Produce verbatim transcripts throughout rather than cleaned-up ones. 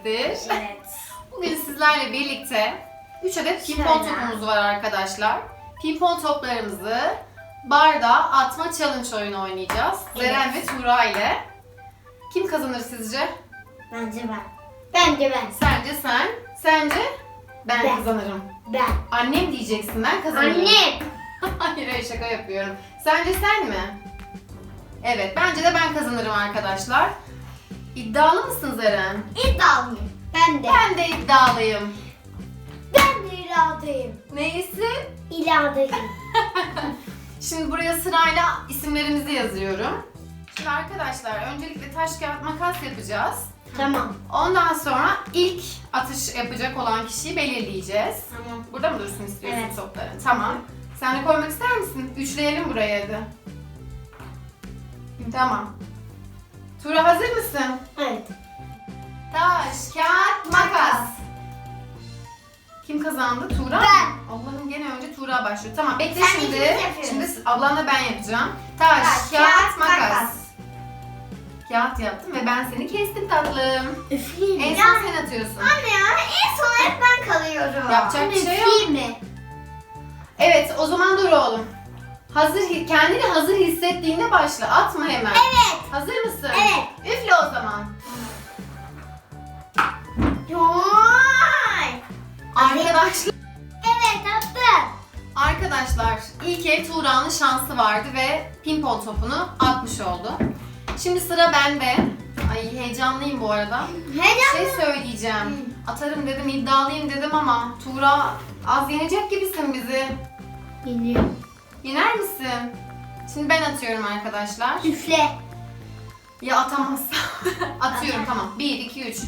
eşittir. Evet. Bugün sizlerle birlikte üç adet pimpon Şöyle. topumuz var arkadaşlar. Pimpon toplarımızı bardağa atma challenge oyunu oynayacağız. Evet. Zeren ve Tuğra ile. Kim kazanır sizce? Bence ben. Bence ben. Sence sen, sence ben, Ben. kazanırım. Ben. Annem diyeceksin, ben kazanırım. Anne. Hayır, hayır, şaka yapıyorum. Sence sen mi? Evet, bence de ben kazanırım arkadaşlar. İddialı mısın Zeren? İddialıyım. Ben de. Ben de iddialıyım. Ben de iradeyim. Neyse. İradeyim. Şimdi buraya sırayla isimlerimizi yazıyorum. Şimdi arkadaşlar öncelikle taş kağıt makas yapacağız. Tamam. Ondan sonra ilk atış yapacak olan kişiyi belirleyeceğiz. Tamam. Burada mı dursun istiyorsun Evet. topların? Tamam. Sen de koymak ister misin? Üçleyelim buraya hadi. Tamam. Tuğra hazır mısın? Evet. Taş, kağıt, makas. Kim kazandı? Tuğra mı? Ben. Allah'ım gene önce Tuğra başlıyor. Tamam bekle Sen şimdi. ikimiz yapıyoruz. Şimdi ablanla ben yapacağım. Taş, Taş, kağıt, kağıt, makas. makas. Kağıt yaptım ve ben seni kestim tatlım. Üfleyeyim. En Ya. son sen atıyorsun. Anne ya en son hep ben kalıyorum. Yapacak bir şey yok. Üfleyeyim mi? Evet o zaman dur oğlum. Hazır, kendini hazır hissettiğinde başla. Atma hemen. Evet. Hazır mısın? Evet. Üfle o zaman. Vay. Arkadaşlar, Evet attım. arkadaşlar ilk el Tuğra'nın şansı vardı ve pimpon topunu atmış oldu. Şimdi sıra bende. Ay heyecanlıyım bu arada. Bir Heyecanlı. şey söyleyeceğim. Atarım dedim, iddialıyım dedim ama Tuğra az yenecek gibisin bizi. Biliyorum. Yener misin? Şimdi ben atıyorum arkadaşlar. Üfle. Ya atamazsam? Atıyorum tamam. bir, iki, üç.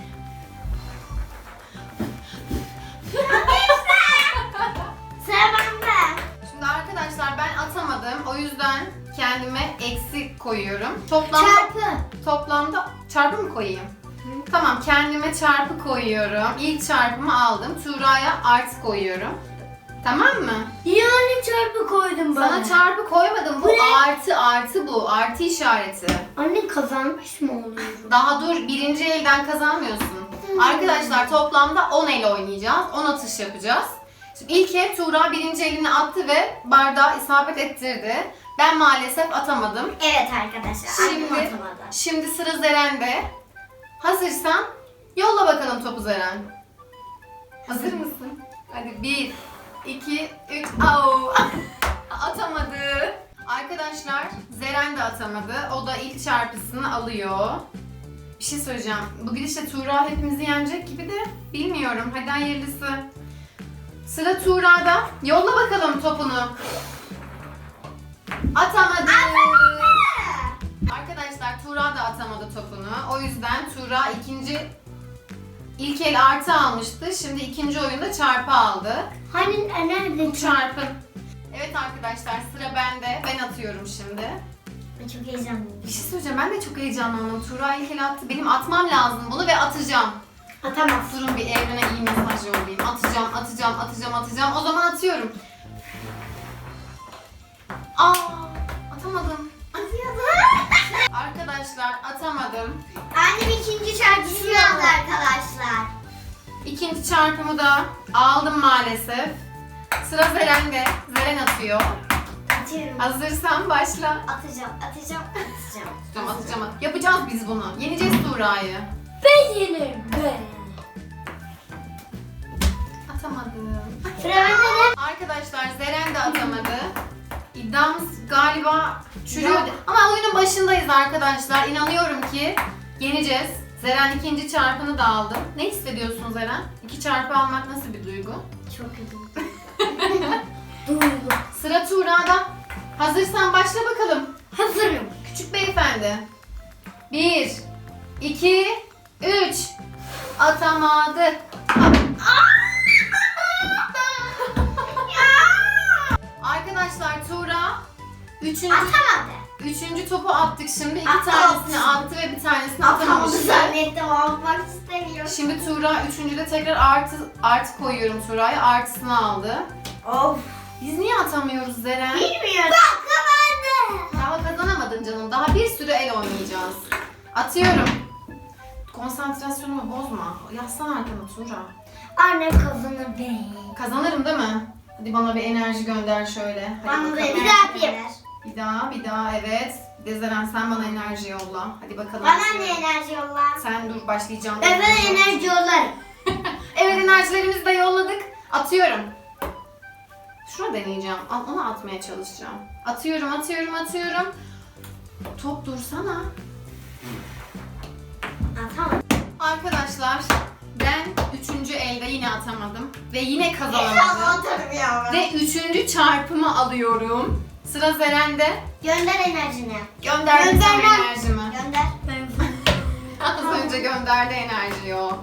Sıra bende. Şimdi arkadaşlar ben atamadım. O yüzden kendime eksi koyuyorum. Toplamda Çarpı. toplamda çarpı mı koyayım? Tamam kendime çarpı koyuyorum. İlk çarpımı aldım. Tuğra'ya artı koyuyorum. Tamam mı? Yani çarpı koydum bana. Sana çarpı koymadım. Bu Bu ne? artı artı bu. Artı işareti. Anne kazanmış mı oluyorum? Daha dur birinci elden kazanmıyorsun. Hmm. Arkadaşlar toplamda on el oynayacağız. on atış yapacağız. Şimdi ilk el Tuğra birinci elini attı ve bardağı isabet ettirdi. Ben maalesef atamadım. Evet arkadaşlar. Şimdi, Şimdi, atamadı. şimdi sıra Zeren'de. Hazırsan yolla bakalım topu Zeren. Hazır mısın? Hadi bir, iki, üç. Au! Atamadı. Arkadaşlar Zeren de atamadı. O da ilk çarpısını alıyor. Bir şey söyleyeceğim. Bu gidişle Tuğra hepimizi yenecek gibi de bilmiyorum. Hadi hayırlısı. Sıra Tuğra'da. Yolla bakalım topunu. Atamadı. Arkadaşlar Tuğra da atamadı topunu. O yüzden Tuğra ikinci ilk el artı almıştı. Şimdi ikinci oyunda çarpı aldı. Hani nerede? Bu çarpı. Evet arkadaşlar sıra bende. Ben atıyorum şimdi. Ben çok heyecanlıyım. Bir şey söyleyeceğim. Ben de çok heyecanlandım. Tuğra ilk el attı. Benim atmam lazım bunu ve atacağım. Atamaz. Durun bir evrene iyi mesaj yollayayım. Atacağım, atacağım, atacağım, atacağım. O zaman atıyorum. Aa, atamadım. Arkadaşlar atamadım. Annem ikinci çarpısını aldı arkadaşlar. İkinci çarpımı da aldım maalesef. Sıra Zeren'de. Zeren atıyor. Atıyorum. Hazırsan başla. Atacağım, atacağım, atacağım. Atacağım, atacağım. Yapacağız biz bunu. Yeneceğiz Tuğra'yı. Ben yenerim ben. Atamadım. Sıra bende. Arkadaşlar Zeren de atamadı. İddiamız galiba çürüyor. Ya. Ama oyunun başındayız arkadaşlar. İnanıyorum ki yeneceğiz. Zeren ikinci çarpını da aldı. Ne hissediyorsun Zeren? İki çarpı almak nasıl bir duygu? Çok iyi. Duygu. Sıra Tuğra'da. Hazırsan başla bakalım. Hazırım. Küçük beyefendi. Bir, iki, üç. Atamadı. Arkadaşlar Tuğra üçüncü, Atamadı. üçüncü topu attık şimdi. İki At, tanesini at. attı ve bir tanesini Atamadı atamamıştı. zannettim. Almak istemiyorum. Şimdi Tuğra üçüncüde tekrar artı, artı koyuyorum Tuğra'ya. Artısını aldı. Of. Biz niye atamıyoruz Zeren? Bilmiyorum. Bak kazandı. Daha kazanamadın canım. Daha bir sürü el oynayacağız. Atıyorum. Konsantrasyonumu bozma. Yaslan arkana Tuğra. Anne kazanır be. Kazanırım değil mi? Hadi bana bir enerji gönder şöyle. Hadi Bana da bakalım. bir daha yapayım. Bir daha, bir daha, evet. Dezeren sen bana enerji yolla. Hadi bakalım. Bana ne enerji yolla? Sen dur, başlayacağım. Ben sana enerji yollarım. Evet, enerjilerimizi de yolladık. Atıyorum. Şunu deneyeceğim. Al- Onu atmaya çalışacağım. Atıyorum, atıyorum, atıyorum. Top dursana. Ha, tamam. Arkadaşlar, ben üçüncü elde yine atamadım. Ve yine İnşallah kazanamadım. atarım ya. Ve üçüncü çarpımı alıyorum. Sıra Zeren'de. Gönder enerjini. Gönderdim sana Göndermem. enerjimi. Gönder. Az önce gönderdi enerjiyi o.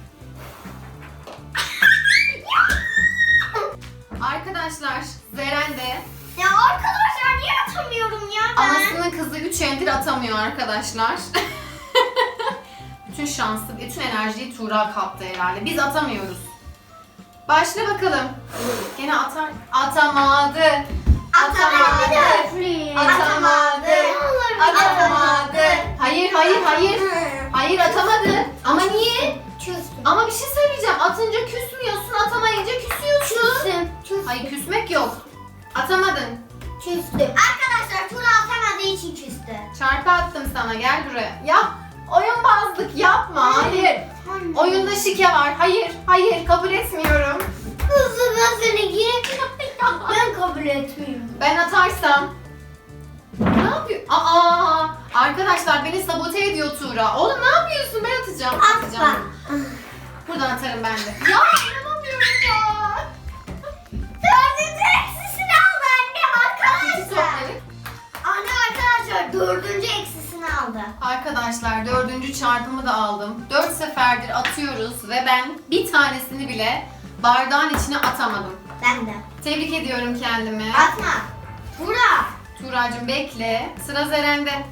Arkadaşlar, Zeren de Ya arkadaşlar niye atamıyorum ya ben? anasının kızı üç eldir atamıyor arkadaşlar. Bütün şansı, bütün enerjiyi Tuğra kaptı herhalde. Biz atamıyoruz. Başla bakalım. Gene atar. Atamadı. Atamadı. Atamadı. Atamadı. Hayır, hayır, hayır. Hayır, atamadı. Ama niye? Küstüm. Ama bir şey söyleyeceğim. Atınca küsmüyorsun, atamayınca küsüyorsun. Küstüm. Küstüm. Hayır, küsmek yok. Atamadın. Küstüm. Arkadaşlar Tura atamadığı için küstü. Çarpı attım sana, gel buraya. Yap. Oyunbazlık yapma. Hayır. Oyunda şike var. Hayır, hayır, kabul etmiyorum. Kızım ben seni gir. Ben kabul etmiyorum. Ben atarsam. Ne yapıyor? Aa! Arkadaşlar beni sabote ediyor Tuğra. Oğlum ne yapıyorsun? Ben atacağım. Atma. Atacağım. Buradan atarım ben de. Ya inanamıyorum ya. Dördüncü eksisini aldı anne İki arkadaşlar. topları. Anne arkadaşlar dördüncü eksisini aldı. Arkadaşlar dördüncü çarpımı da aldım. Dört seferdir atıyoruz ve ben bir tanesini bile bardağın içine atamadım. Ben de. Tebrik ediyorum kendimi. Atma. Tura. Tuğracığım bekle. Sıra Zeren'de.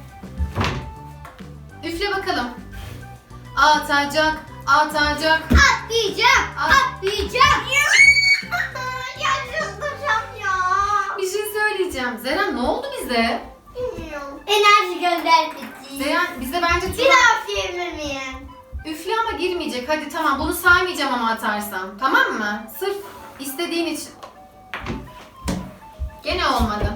Üfle bakalım. Atacak, atacak. Atlayacağım. At. Atlayacağım. Ya çıldıracağım ya. Bir şey söyleyeceğim. Zeren ne oldu bize? Bilmiyorum. Enerji gönderdi. Zeren bize bence Bir Tuğra... daha üfleyebilir miyim? Üfle ama girmeyecek. Hadi tamam, bunu saymayacağım ama atarsam. Tamam mı? Sırf istediğin için. Gene olmadı.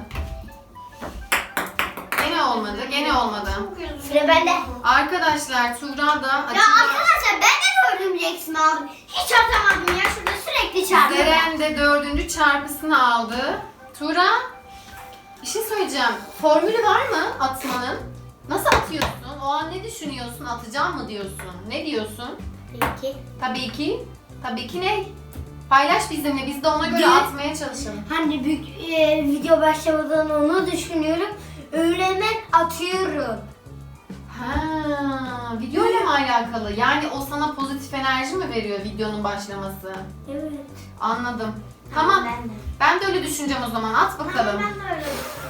Gene olmadı. Gene olmadı. Sıra bende. Arkadaşlar Tuğra da Ya açıkla. arkadaşlar ben de dördüncü eksimi aldım. Hiç atamadım ya. Şurada sürekli çarpıyorum. Zeren de dördüncü çarpısını aldı. Tuğra, bir şey söyleyeceğim. Formülü var mı atmanın? Nasıl atıyorsun? O an ne düşünüyorsun? Atacağım mı diyorsun? Ne diyorsun? Peki. Tabii ki. Tabii ki ne? Paylaş bizimle. Biz de ona göre Değil. atmaya çalışalım. Hani büyük e, video başlamadan onu düşünüyorum. Öyle hemen atıyorum. Ha, videoyla mı alakalı? Yani o sana pozitif enerji mi veriyor videonun başlaması? Evet. Anladım. Tamam. Ben de. Ben de öyle düşüneceğim o zaman. At bakalım. Ben de öyle.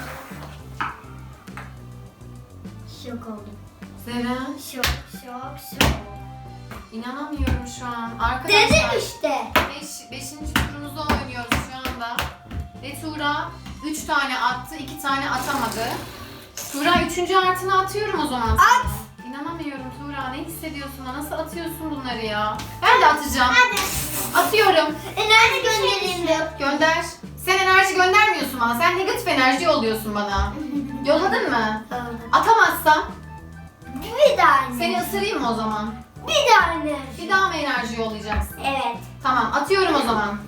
Şok oldum. Zeren, Şok, şok, şok. inanamıyorum şu an. Arkadaşlar. Dedim işte. Beş, beşinci turumuzu oynuyoruz şu anda. Ve Tuğra üç tane attı, iki tane atamadı. Tuğra üçüncü artını atıyorum o zaman. At. İnanamıyorum Tuğra, ne hissediyorsun? Nasıl atıyorsun bunları ya? Ben de atacağım. Hadi. Atıyorum. Enerji göndereyim de. Gönder. Sen enerji göndermiyorsun bana. Sen negatif enerji yolluyorsun bana. Yolladın mı? Atamazsam Bir daha enerji. seni ısırayım mı o zaman? Bir daha enerji. Bir daha mı enerji yollayacaksın? Evet. Tamam, atıyorum o zaman.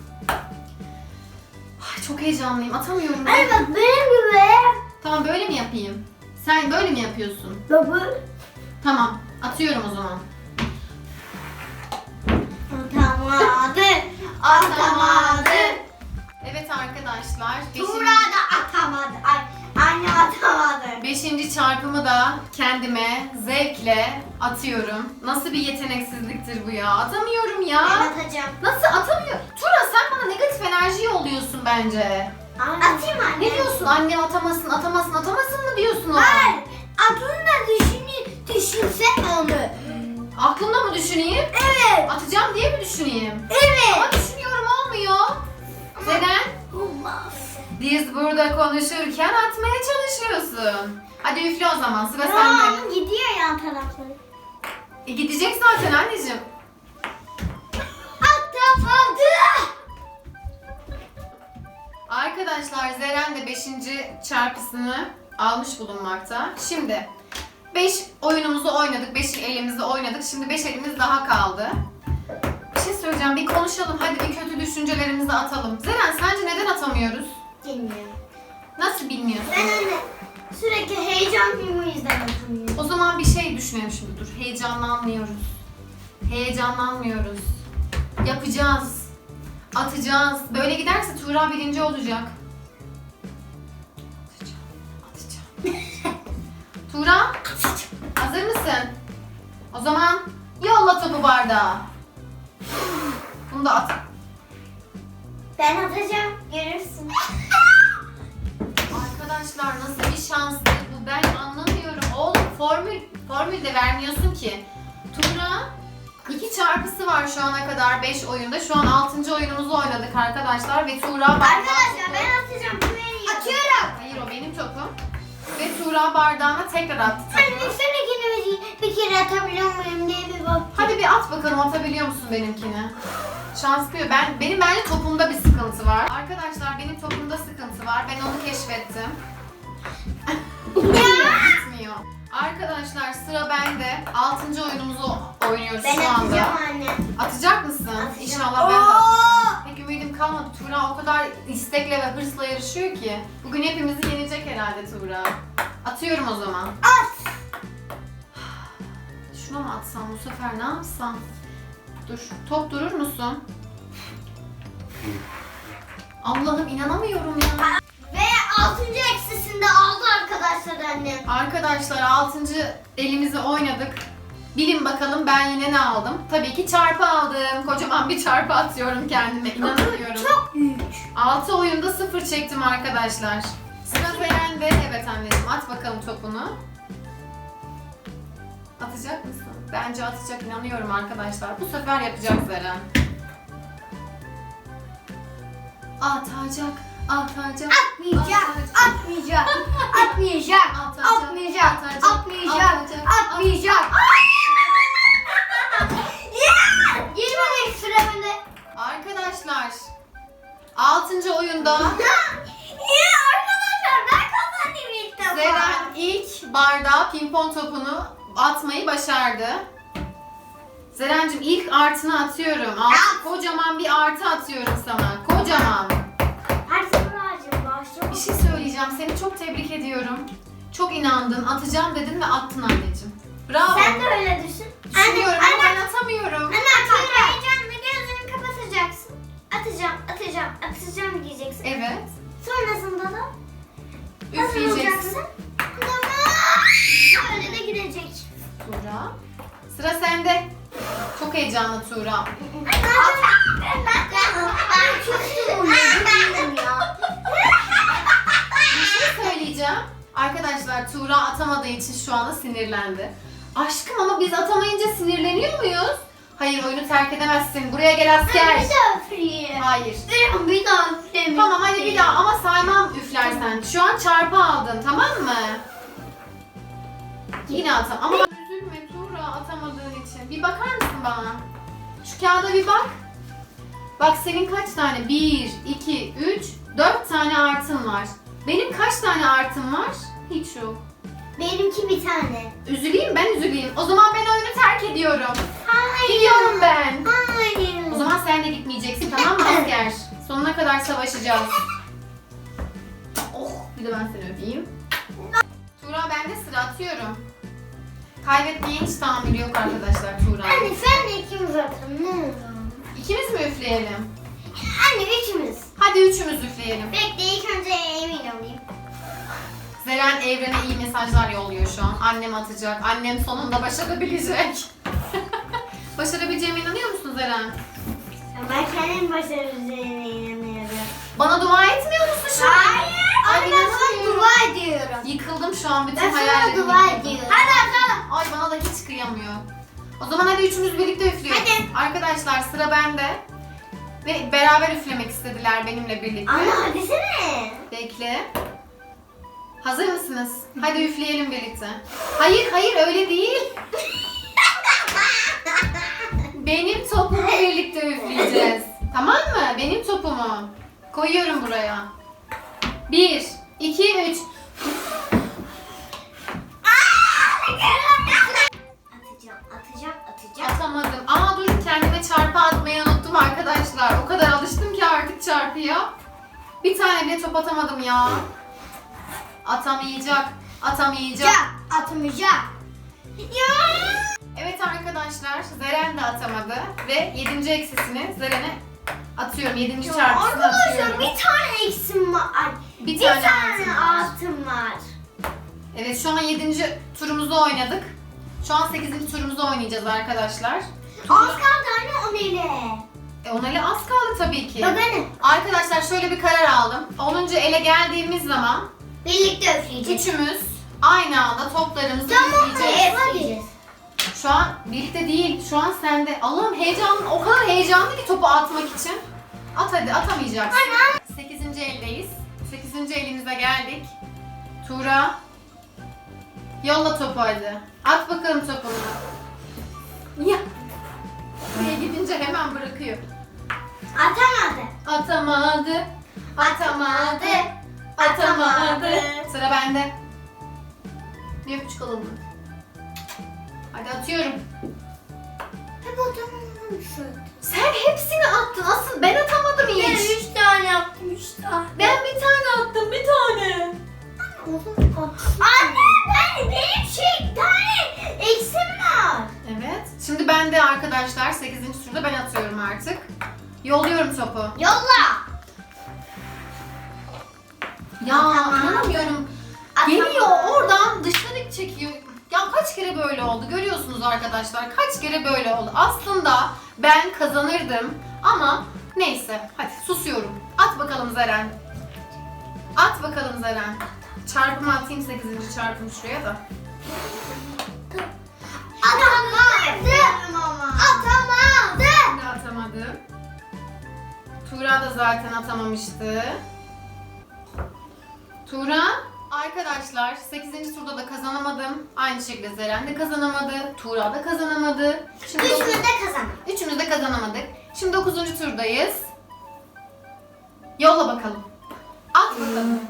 Ay, çok heyecanlıyım. Atamıyorum. Anne bak benim gibi. Tamam, böyle mi yapayım? Sen böyle mi yapıyorsun? Baba. Tamam, atıyorum o zaman. Atamadı. Atamadı. Evet arkadaşlar, Tuğra beşinci, da atamadı. Ay, anne atamadı. beşinci çarpımı da kendime zevkle atıyorum. Nasıl bir yeteneksizliktir bu ya? Atamıyorum ya. Ben atacağım. Nasıl atamıyor? Tuğra sen bana negatif enerji yolluyorsun bence. Atayım anne. Ne diyorsun? Annem atamasın, atamasın, atamasın mı diyorsun o? Hayır. Aklında düşünü, düşünsen onu. Aklımda mı düşüneyim? Evet. Atacağım diye mi düşüneyim? Evet. Ama düşünüyorum, olmuyor. Neden? Olmaz. Biz burada konuşurken atmaya çalışıyorsun. Hadi üfle o zaman, sıra Aa, sende. gidiyor yan tarafları. E gidecek zaten anneciğim. Atamadı. Arkadaşlar Zeren de beşinci çarpısını almış bulunmakta. Şimdi beş oyunumuzu oynadık. beş elimizde oynadık. Şimdi beş elimiz daha kaldı. Bir şey söyleyeceğim. Bir konuşalım. Hadi bir kötü düşüncelerimizi atalım. Zeren sence neden atamıyoruz? Bilmiyorum. Nasıl bilmiyorsun? Ben anne sürekli heyecan filmi yüzden atamıyorum. O zaman bir şey düşünelim şimdi. Dur. Heyecanlanmıyoruz. Heyecanlanmıyoruz. Yapacağız. Atacağız. Böyle giderse Tuğra birinci olacak. Atacağım. Atacağım. Tuğra, hazır mısın? O zaman yolla topu bardağa. Bunu da at. Ben atacağım. Görürsün. Arkadaşlar nasıl bir şanstı bu, ben anlamıyorum. Oğlum formül, formül de vermiyorsun ki. Tuğra iki çarpısı var şu ana kadar beş oyunda. Şu an altıncı oyunumuzu oynadık arkadaşlar ve Tuğra bardağı... Arkadaşlar ben atacağım. Atıyorum. Hayır, o benim topum. Ve Tuğra bardağına tekrar attı topu. Anne sen ikini bir kere atabiliyor muyum diye bir bak. Hadi bir at bakalım, atabiliyor musun benimkini? Şanslıyor. Ben benim bence topumda bir sıkıntı var. Arkadaşlar benim topumda sıkıntı var. Ben onu keşfettim. Gitmiyor. Arkadaşlar sıra bende. altıncı oyunumuzu oynuyoruz Ben şu anda. atacağım anne. Atacak mısın? Atacağım. İnşallah ben de Oo! atacağım. Pek ümidim kalmadı. Tuğra o kadar istekle ve hırsla yarışıyor ki. Bugün hepimizi yenecek herhalde Tuğra. Atıyorum o zaman. At. Şuna mı atsam bu sefer, ne yapsam? Dur. Top durur musun? Allah'ım inanamıyorum ya. Ve altıncı eksisinde aldı arkadaşlar annem. Arkadaşlar altıncı elimizi oynadık. Bilin bakalım ben yine ne aldım? Tabii ki çarpı aldım. Kocaman bir çarpı atıyorum kendime. İnanamıyorum. Çok büyük. altı oyunda sıfır çektim arkadaşlar. Sıra Zeren'de. Evet anneciğim, at bakalım topunu. Atacak mısın? Bence atacak, inanıyorum arkadaşlar. Bu sefer yapacak Zeren. Atacak, atacak. Atmayacak, atmayacak, atmayacak, atmayacak, atmayacak, atmayacak. Girmemek süremede. Arkadaşlar altıncı oyunda Ya arkadaşlar ben kazandım ilk defa. Zeren ilk bardağa pimpon topunu atmayı başardı. Zerencim ilk artını atıyorum. Altı, kocaman bir artı atıyorum sana. Kocaman. Her sıfıracım başlama. Bir şey söyleyeceğim. Seni çok tebrik ediyorum. Çok inandın. Atacağım dedin ve attın anneciğim. Bravo. Sen de öyle düşün. Düşünüyorum Anne, ama anne. ben atamıyorum. Anne atıyorum. Heyecanla gözünü kapatacaksın. Atacağım, atacağım, atacağım diyeceksin. Evet. Sonrasında da Üfleyeceksin. Tamam. Böyle de gidecek. Tuğra. Sıra sende. Çok heyecanlı Tuğra. Ben ben çok sinirliyim ya. Bir şey söyleyeceğim. Arkadaşlar Tuğra atamadığı için şu anda sinirlendi. Aşkım ama biz atamayınca sinirleniyor muyuz? Hayır, oyunu terk edemezsin. Buraya gel asker. Bir daha üfleyeyim. Hayır. Bir daha üfleyeyim. Tamam hadi bir daha ama saymam üflersen. Şu an çarpı aldın, tamam mı? Yine atam. Ama üzülme Tuğra atamadığın için. Bir bakar mısın bana? Şu kağıda bir bak. Bak senin kaç tane? Bir, iki, üç, dört tane artın var. Benim kaç tane artım var? Hiç yok. Benimki bir tane. Üzüleyim, ben üzüleyim. O zaman ben oyunu terk ediyorum. Hayır. Gidiyorum ben. Hayır. O zaman sen de gitmeyeceksin, tamam mı asker? Sonuna kadar savaşacağız. Oh, bir de ben seni öpeyim. Tuğra, ben de sıra atıyorum. Kaybetmeye hiç tahammülü yok arkadaşlar Tuğra. Anne sen de ikimiz atalım ne olur. İkimiz mi üfleyelim? Anne üçümüz. Hadi üçümüz üfleyelim. Bekle ilk önce emin olayım. Zeren evrene iyi mesajlar yolluyor şu an. Annem atacak. Annem sonunda başarabilecek. Başarabileceğime inanıyor musun Zeren? Ben kendim başaracağına inanıyorum. Bana dua etmiyor musun şu an? Hayır. Ay, Anne ben sana inanamıyorum. dua ediyorum. Yıkıldım şu an, bütün Ben sana hayallerim dua yıkıldı. ediyorum. Hadi atalım. Ay bana da hiç kıyamıyor. O zaman hadi üçümüz birlikte üflüyoruz. Hadi. Arkadaşlar sıra bende. Ve beraber üflemek istediler benimle birlikte. Anne hadi sene. Bekle. Hazır mısınız? Hadi üfleyelim birlikte. Hayır hayır öyle değil. benim topumu. Koyuyorum buraya. Bir, iki, üç. Atacağım, atacağım, atacağım. Atamadım. Aa dur, kendime çarpı atmayı unuttum arkadaşlar. O kadar alıştım ki artık çarpıya. Bir tane bile top atamadım ya. Atamayacak. Atamayacak. Ya, atamayacağım. Ya. Evet arkadaşlar, Zeren de atamadı ve yedinci eksisini Zeren'e atıyorum. Yedinci Ya çarpısını arkadaşlar atıyorum. bir tane eksim var. Ay, Bir Bir, tane tane, altın var. altın var. Evet, şu an yedinci turumuzu oynadık. Şu an sekizinci turumuzu oynayacağız arkadaşlar. Az kaldı anne o neyle? E, ona ele az kaldı tabii ki. Bak anne. Arkadaşlar şöyle bir karar aldım. onuncu ele geldiğimiz zaman Birlikte üfleyeceğiz. üçümüz aynı anda toplarımızı Tamam izleyeceğiz. hadi. Şu an birlikte değil, şu an sende. Allah'ım heyecanlı, o kadar heyecanlı ki topu atmak için. At hadi, atamayacaksın. sekizinci eldeyiz. sekizinci elimize geldik. Tuğra. Yolla topu hadi. At bakalım topunu. Ya. Buraya gidince hemen bırakıyor. Atamadı. Atamadı. Atamadı. Atamadı. Sıra bende. Bir öpücük alalım. Hadi atıyorum. Hep atamamışsın. Sen hepsini attın. Asıl ben atamadım Ben hiç. üç tane yaptım, üç tane. Ben bir tane attım, bir tane. Anne ben benim şey tane eksim var. Evet. Şimdi ben de arkadaşlar sekizinci turda ben atıyorum artık. Yolluyorum topu. Yolla. Ya Atamam. inanamıyorum. Atamam. Geliyor oradan dışarı çekiyor. Ya kaç kere böyle oldu görüyorsunuz arkadaşlar. Kaç kere böyle oldu. Aslında ben kazanırdım ama neyse. Hadi susuyorum. At bakalım Zeren. At bakalım Zeren. Çarpımı atayım sekizinci çarpımı şuraya da. Atamadı. Atamadı. Ben de atamadım. Tuğra da zaten atamamıştı. Tuğra. Arkadaşlar sekizinci turda da kazanamadım. Aynı şekilde Zeren de kazanamadı. Tuğra da kazanamadı. Şimdi Üçümüz dokuz- de kazandık. Üçümüz de kazanamadık. Şimdi dokuzuncu turdayız. Yolla bakalım. At bakalım.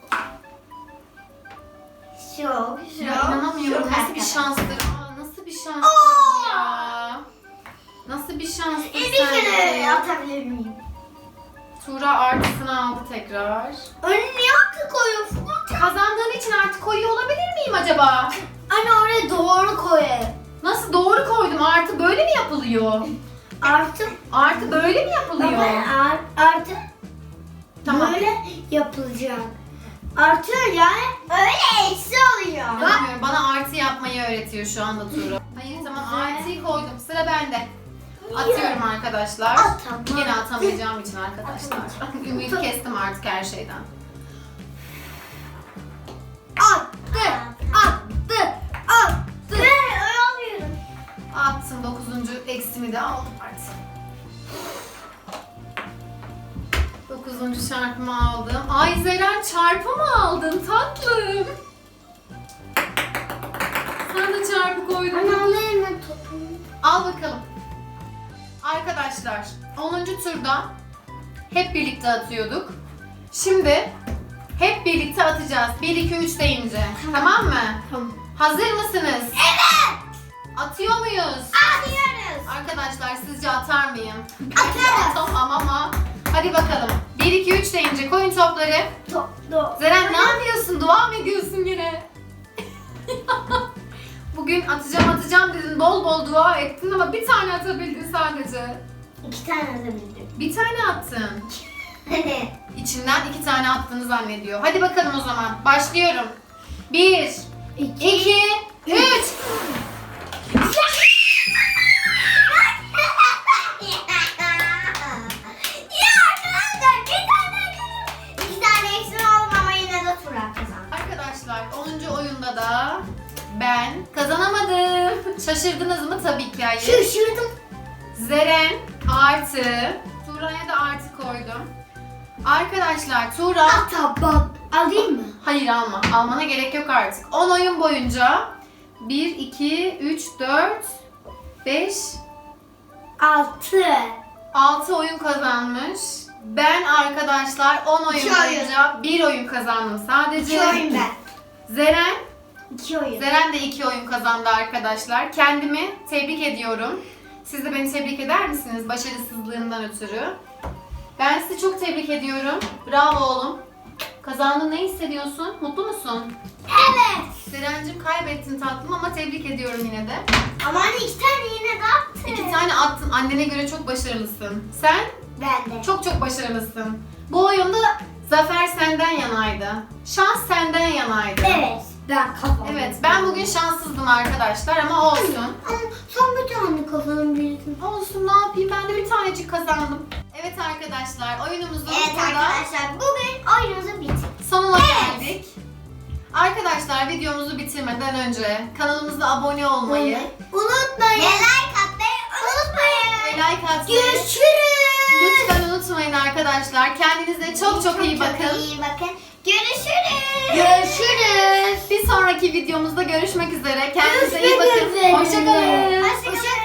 Çok çok. Ya inanamıyorum. çok Nasıl bir arkadaş. şanstır. Aa, nasıl bir şanstır Aa! ya. Nasıl bir şanstır E, bir kere sanki. atabilir miyim? Tuğra artısını aldı tekrar. Önüne niye hakkı koyuyorsun? Kazandığın için artı koyuyor olabilir miyim acaba? Anne oraya doğru koy. Nasıl doğru koydum? Artı böyle mi yapılıyor? Artı. Artı böyle mi yapılıyor? Baba ar- artı. Tamam. Böyle yapılacak. Artı yani öyle eksi oluyor. Bilmiyorum, bana artı yapmayı öğretiyor şu anda Tuğra. Hayır tamam, artıyı koydum. Sıra bende. Atıyorum arkadaşlar. Atamam. Yine atamayacağım için arkadaşlar. Ümidi kestim artık her şeyden. Attı. Attı. Attı. Ben alamıyorum. Attım, dokuzuncu eksimi de aldım artık. Dokuzuncu çarpımı aldım. Ay Zeren, çarpı mı aldın tatlım? Sen de çarpı koydun. Anne alayım ben topumu. Al bakalım. Arkadaşlar onuncu turda hep birlikte atıyorduk. Şimdi hep birlikte atacağız. bir iki üç deyince. Tamam mı? Tamam. Hazır mısınız? Evet. Atıyor muyuz? Atıyoruz. Arkadaşlar sizce atar mıyım? Atarız. Tamam ama. Hadi bakalım. bir iki üç deyince koyun topları. Top, top. Zeren ne yapıyorsun? Dua mı ediyorsun yine? Bugün atacağım atacağım dedin, bol bol dua ettin ama bir tane atabildin sadece. İki tane atabildim. Bir tane attın. Hadi. İçinden iki tane attığını zannediyor. Hadi bakalım o zaman. Başlıyorum. Bir, İki. iki, üç. Ya arkadaşlar bir tane iki tane eksim oldu ama yine de Turan kazandı. Arkadaşlar onuncu oyunda da ben kazanamadım. Şaşırdınız mı? Tabii ki hayır. Şaşırdım. Zeren artı. Tuğra'ya da artı koydum. Arkadaşlar Tuğra... Atabak. Alayım mı? Hayır alma. Almana gerek yok artık. on oyun boyunca bir, iki, üç, dört, beş, Altı. altı oyun kazanmış. Ben arkadaşlar on oyun İki oyun. boyunca bir oyun kazandım sadece. İki oyun ben. Zeren, İki oyun. Zeren de iki oyun kazandı arkadaşlar. Kendimi tebrik ediyorum. Siz de beni tebrik eder misiniz başarısızlığından ötürü? Ben sizi çok tebrik ediyorum. Bravo oğlum. Kazandın, ne hissediyorsun? Mutlu musun? Evet. Zeren'cim kaybettin tatlım ama tebrik ediyorum yine de. Ama anne iki tane yine de attı. İki tane attın. Annene göre çok başarılısın. Sen Ben de. çok çok başarılısın. Bu oyunda zafer senden yanaydı. Şans senden yanaydı. Evet. Ben kazandım. Evet, ben bugün şanssızdım arkadaşlar ama olsun. Ama son bir tane kazanabilirsin. Olsun, ne yapayım, ben de bir tanecik kazandım. Evet arkadaşlar, oyunumuzun Evet burada arkadaşlar bugün oyunumuzu bitirdik. sonuna Evet. geldik. Arkadaşlar videomuzu bitirmeden önce kanalımıza abone olmayı Unutmayın. Ve like atmayı unutmayın. ve like atmayı Görüşürüz. lütfen unutmayın arkadaşlar. Kendinize çok çok iyi bakın. iyi bakın. Görüşürüz. Görüşürüz. Bir sonraki videomuzda görüşmek üzere. Kendinize iyi Görüşmek bakın. üzere. Hoşçakalın. Hoşçakalın.